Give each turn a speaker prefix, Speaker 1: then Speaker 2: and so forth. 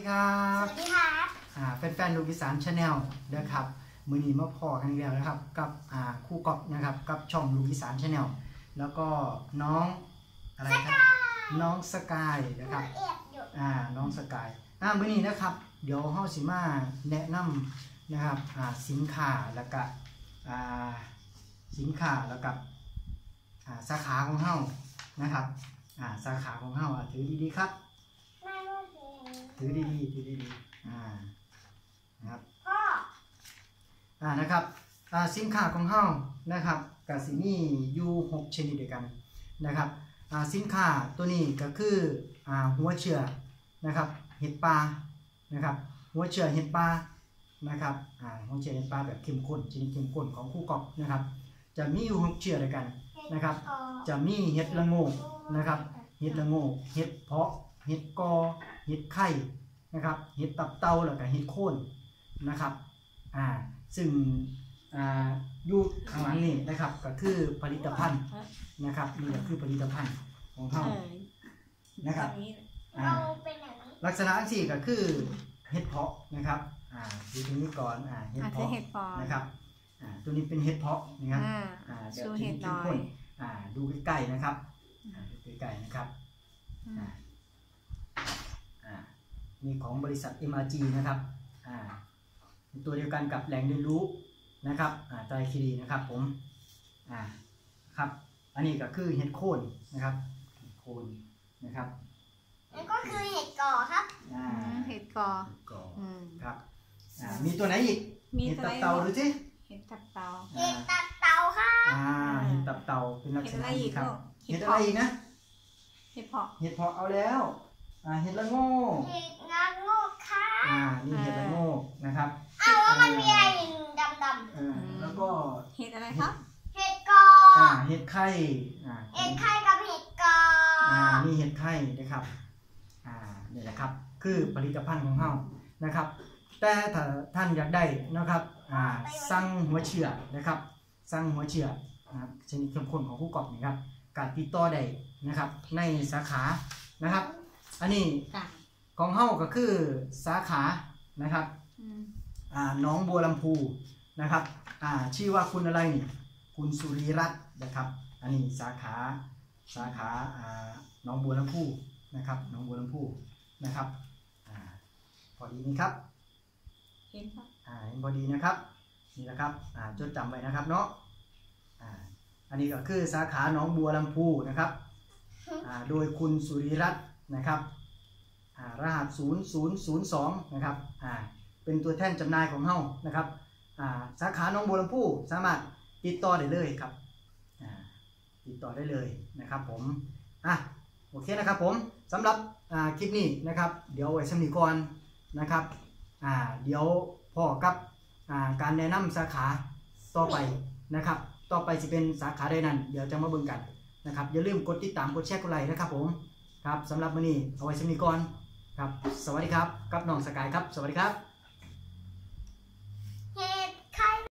Speaker 1: ดีครับ
Speaker 2: สวัสดีครับ
Speaker 1: แฟนๆลูกอีสานชาแนลนะครับมือนี้มาพอกันอีกแล้วนะครับกับครู่กอบนะครับกับช่องลูกอีสานชาแนลแล้วก็น้องอะไรครับน้องสกายนะครับน้องสกายมือนี้นะครับเดี๋ยวเฮาสิมาแนะนำนะครับสินค้าแล้วก็สาขาของเฮานะครับสาขาของเฮาถือดีๆครับถือดีนะครับ
Speaker 2: พ่อ
Speaker 1: นะครับสินค้าของเฮานะครับกับสิมีอยู่6ชนิดด้วยกันนะครับสินค้าตัวนี้ก็คือหัวเชื้อนะครับเห็ดปลานะครับหัวเชื้อเห็ดปลานะครับหัวเชื้อเห็ดปลาแบบเข้มข้นชนิดเข้มข้นของคู่กอบนะครับจะมีอยู่6เชื้อด้วยกันนะครับจะมีเห็ดละโงกนะครับเห็ดละโงกเห็ดเพาะเห็ดกอเห็ดไข่นะครับเห็ดตับเต่าแล้วก็เห็ดโคนนะครับซึ่งอยู่ข้างหลังนี่นะครับก็คือผลิตภัณฑ์นะครับนี่ก็คือผลิตภัณฑ์ของเขานะครับลักษณะที่ก็คือเห็ดเพาะนะครับดูตรงนี้ก่อนเห็ดเพาะนะครับตัวนี้เป็นเห็ดเพาะนะครับแบบที่เข้มข้นดูใกล้ๆนะครับดูใกล้ๆนะครับนี่ของบริษัท MRG นะครับตัวเดียวกันกับแหล่งเรียนรู้นะครับไตรคีรีนะครับผมครับอันนี้ก็คือเห็ดโคนนะครับเห็ดโคนนะครับ
Speaker 2: นั่นก็คือเห็ดก่อครับ
Speaker 3: เห็ดก่อ
Speaker 1: ครับมีตัวไหนอีกเห็ดตับเต่าดูสิ
Speaker 3: เห็ดตับเต่า
Speaker 2: เห็ดตับเต่าครับ
Speaker 1: เห็ดตับเต่าเป็นลักษณะนี้ครับเห็ดอะไรอีกนะ
Speaker 3: เห็ดเพาะ
Speaker 1: เอาแล้วเห็ดละโง่
Speaker 2: เห็ดละโง่ค่ะ
Speaker 1: นี่เห็ดละโง่นะครับ
Speaker 2: แล้วมันมีอะไรดำ
Speaker 1: แล้วก็
Speaker 3: เห็ดอะไรครับ
Speaker 2: เห็ดกอ
Speaker 1: เห็ดไข่
Speaker 2: เห็ดไข่กับเห็ดกอ
Speaker 1: นี่เห็ดไข่นะครับนี่แหละครับคือผลิตภัณฑ์ของเรานะครับแต่ถ้าท่านอยากได้นะครับสั่งหัวเชื้อนะครับสั่งหัวเชื้อนะครับชนิดเข้มข้นของคู่กอบนะครับการติดต่อได้นะครับในสาขานะครับอันนี้ของเฮาก็คือสาขานะครับน้องบัวลำพูนะครับชื่อว่าคุณอะไรนี่คุณสุริรัตน์นะครับอันนี้สาขาน้องบัวลำพูนะครับน้องบัวลำพูนะครับพอดีนี่ครับ
Speaker 3: เห็นครับ
Speaker 1: เห็นพอดีนะครับนี่นะครับจดจำไว้นะครับเนาะอันนี้ก็คือสาขาน้องบัวลำพูนะครับโดยคุณสุริรัตน์นะครับรหัส0002นะครับเป็นตัวแทนจำหน่ายของเฮานะครับสาขาน้องบัวลำพูสามารถติดต่อได้เลยครับติดต่อได้เลยนะครับผมโอเคนะครับผมสำหรับคลิปนี้นะครับเดี๋ยวไว้สำนีก่อนนะครับเดี๋ยวพ่อกับการแนะนำสาขาต่อไปนะครับต่อไปจะเป็นสาขาใดนั้นเดี๋ยวจะมาเบิ่งกันนะครับอย่าลืมกดติดตามกดแชร์กดไลค์นะครับผมครับสำหรับวันนี้เอาไว้สำนีก่อนครับสวัสดีครับกับน้องสกายครับสวัสดีครับ